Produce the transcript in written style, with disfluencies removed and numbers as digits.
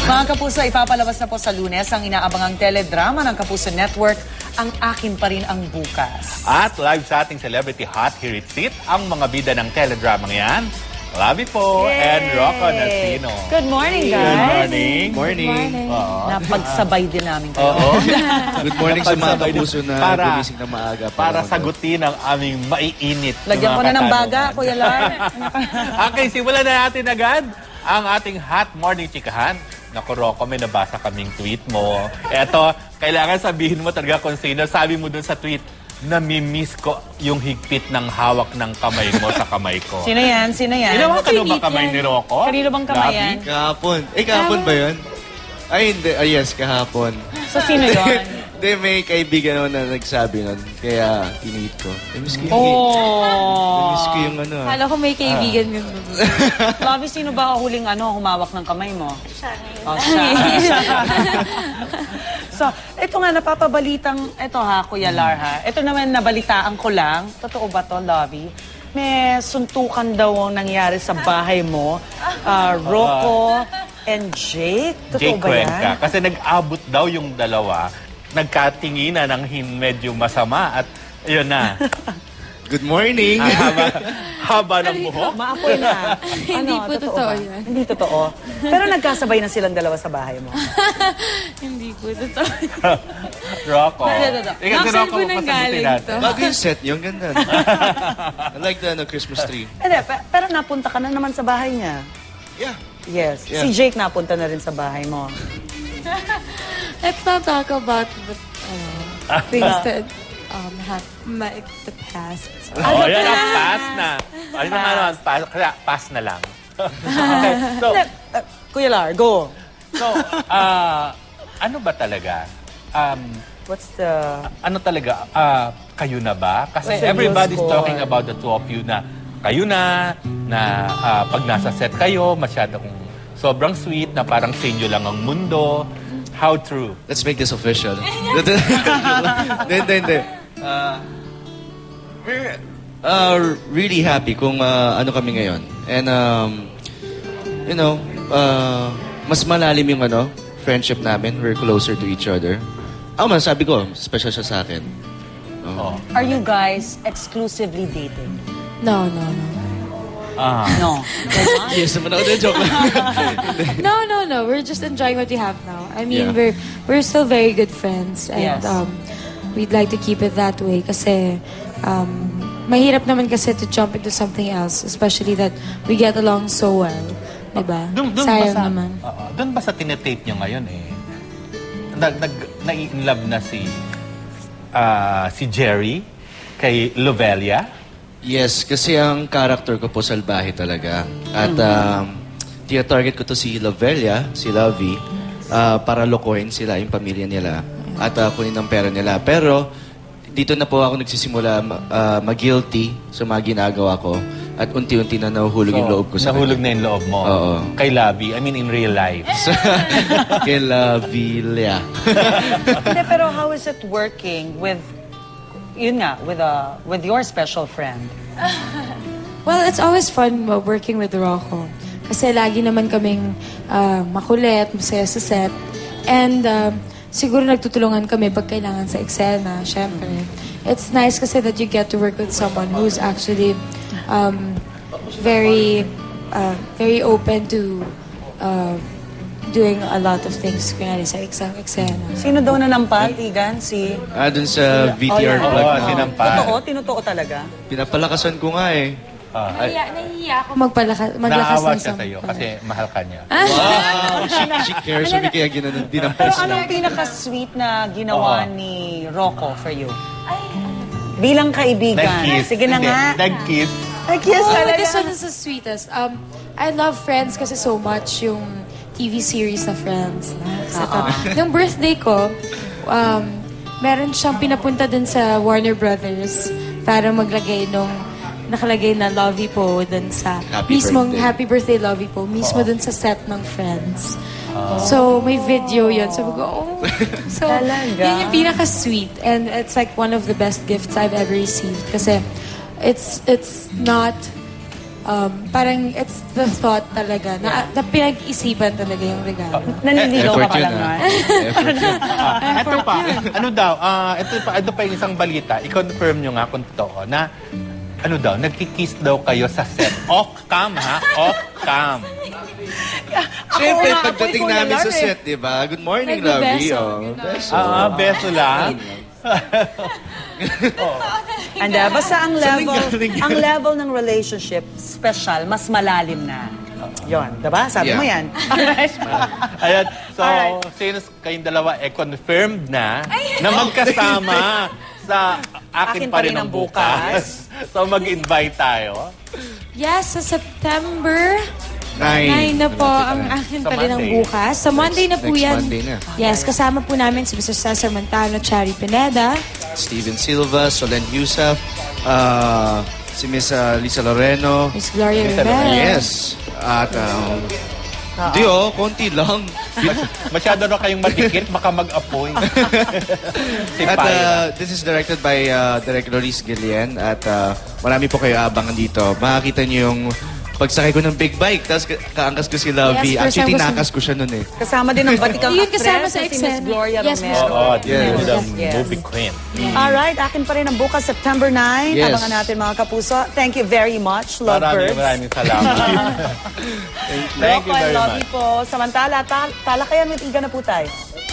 Mga kapuso, ipapalabas na po sa Lunes ang inaabangang teledrama ng Kapuso Network, Ang Akin Pa Rin Ang Bukas. At live sa ating Celebrity Hot Here It Sit, ang mga bida ng teledramang yan. Labi po and Rocco Nasino. Good morning, guys. Good morning. Morning. Napagsabay din namin kayo. Oo. Good morning sa mga kapuso na gumising na maaga. Para sagutin ang aming maiinit. Lagyan ko na ng baga, Kuya Lar. Okay, simulan na natin agad ang ating Hot Morning Chikahan. Naku, Rocco, may nabasa kaming tweet mo. Eto, kailangan sabihin mo talaga kung sino. Sabi mo dun sa tweet, namimiss ko yung higpit ng hawak ng kamay mo sa kamay ko. Sino yan? Sino yan? Ginawa ka ba kamay ni Rocco? Kanino bang kamay yan? Kahapon. Kahapon ba yun? Ay, hindi. Yes, kahapon. So, sino yun? Hindi, may kaibigan naman na nagsabi nun. Kaya, tinit ko. Namiss ko yung Namiss ko yung ano. Kala ko may kaibigan yun. Labi, sino ba huling humawak ng kamay mo? Siya siya. So, ito nga, napapabalitang, ito ha, Kuya Lar ha. Ito naman, nabalitaan ko lang. Totoo ba to, Lovey? May suntukan daw ang nangyari sa bahay mo. Rocco and Jake. Totoo ba yan? Cuenca. Kasi nag-abot daw yung dalawa. Nagkatinginan ng medyo masama at yun na. Good morning. Haba ng buhok. Maapoy na. Hindi po totoo ba? yan. Hindi totoo. Pero nagkasabay na silang dalawa sa bahay mo. Hindi po totoo. Rocco. Ikaw si Rocco, po nang galing to. Bago yung set yung ganda. I like the Christmas tree. Hindi, pero napunta ka na naman sa bahay niya. Yeah. Yes. Yeah. Si Jake napunta na rin sa bahay mo. Let's not talk about things that have the past. Oh, yan ang pass na. Ano naman, pass na lang. Okay, so, Kuya Lar, go. So, ano ba talaga? What's the... Ano talaga? Kayo na ba? Kasi What's the everybody's news talking about the two of you na kayo na pag nasa set kayo, masyadong sobrang sweet, na parang sa inyo lang ang mundo. How true? Let's make this official. Hindi. We're really happy kung ano kami ngayon. And, you know, mas malalim yung friendship namin. We're closer to each other. Sabi ko, special siya sa akin. Are you guys exclusively dating? No. No. Yes, naman ako. Joke lang. No. We're just enjoying what we have now. I mean, Yeah. we're still very good friends. And Yes. we'd like to keep it that way. Kasi mahirap naman kasi to jump into something else. Especially that we get along so well. Diba? Sayang naman. Doon ba sa tinetape nyo ngayon nai-inlove na si Jerry kay Lovelia? Yes, kasi ang character ko po salbahe talaga. At tina-target ko to si Lovelia, si Lovey, para lokohin sila, yung pamilya nila, at kunin ang pera nila. Pero dito na po ako nagsisimula mag-guilty sa mga ginagawa ko at unti-unti na nahuhulog yung loob ko sa Nahulog na yung loob mo? Oo. Kay Labi, I mean in real life. Kay Lovelia. Hindi, pero how is it working with, yun nga, with your special friend? Well, it's always fun working with Rocco. Kasi lagi naman kaming makulit, masaya sa set. And siguro nagtutulungan kami pag kailangan sa eksena, syempre. It's nice kasi that you get to work with someone who's actually very open to doing a lot of things kunyari sa eksena. Sino daw nanampat, Igan? Dun sa VTR vlog na. Sinampan. Totoo? Tinotoo talaga? Pinapalakasan ko nga eh. Nahihiya ako maglakas Naawa ng siya sa'yo kasi mahal ka niya. Wow! She cares me kaya Pero dinampis anong lang. pinaka-sweet na ginawa ni Rocco for you? Bilang kaibigan. Nag-kiss. Sige na Hindi, nga. Nag-kiss. Nag-kiss Oh, talaga. this one is the sweetest. I love Friends kasi so much, yung TV series na Friends. Nung birthday ko, meron siyang pinapunta dun sa Warner Brothers para maglagay nung nakalagay na Lovey po dun sa Happy Birthday Lovey po, mismo dun sa set ng Friends. So, may video yun. Sabi ko, oh. So, Talaga? yun yung pinaka-sweet. And it's like one of the best gifts I've ever received. Kasi it's not parang it's the thought talaga, na pinag-isipan talaga yung regalo. Naniligaw ka Effort pa yun, lang ah. naman. Effort yun. Ito pa, ito pa yung isang balita. I-confirm nyo nga kung totoo na nagkikiss daw kayo sa set. Off-cam, ha? Off-cam. Siyempre, nga, pagdating Kuya namin sa Lar, eh. set, di ba? Good morning, Nagbebeso. Lovey. Oh, beso. Beso lang. Basta ang Saan level, nanggaling yan? ang level ng relationship, special, mas malalim na. Yon, diba? Sabi Yeah. mo yan. Alright. Ayan, so, Alright. since kayong dalawa confirmed na magkasama sa Akin Pa Rin Ang Bukas. So, mag-invite tayo. Yes, sa September 9 9 na po ang akin Sa pa rin ang Monday. bukas. Sa Monday na po Next yan. Monday na. Yes, kasama po namin si Mr. Cesar Montano, Chari Pineda. Steven Silva, Solen Yusuf, si Miss Lisa Loreno. Miss Gloria Lisa Rivera. Yes. At, konti lang. Masyado na kayong madikit, baka mag-appoint. Si At Pyra. this is directed by Direk Loris Guillen. At marami po kayo abangan dito. Makakita niyo yung pagsakay ko ng big bike. Tapos kaangkas ko si Lovey. Yes, first Actually, time ko tinakas ko siya nun eh. Kasama din ang batikang Yun kasama actress sa na si Miss eksena. Gloria Yes, Miss Romero. Oo, Yes. the Yes. movie queen. Alright, akin pa rin ang bukas, September 9. Yes. Abangan natin mga kapuso. Thank you very much, lovebirds. Maraming salamat. Thank you Rocco, I very love much. you po. Samantala, talakayan with Iga na po tayo.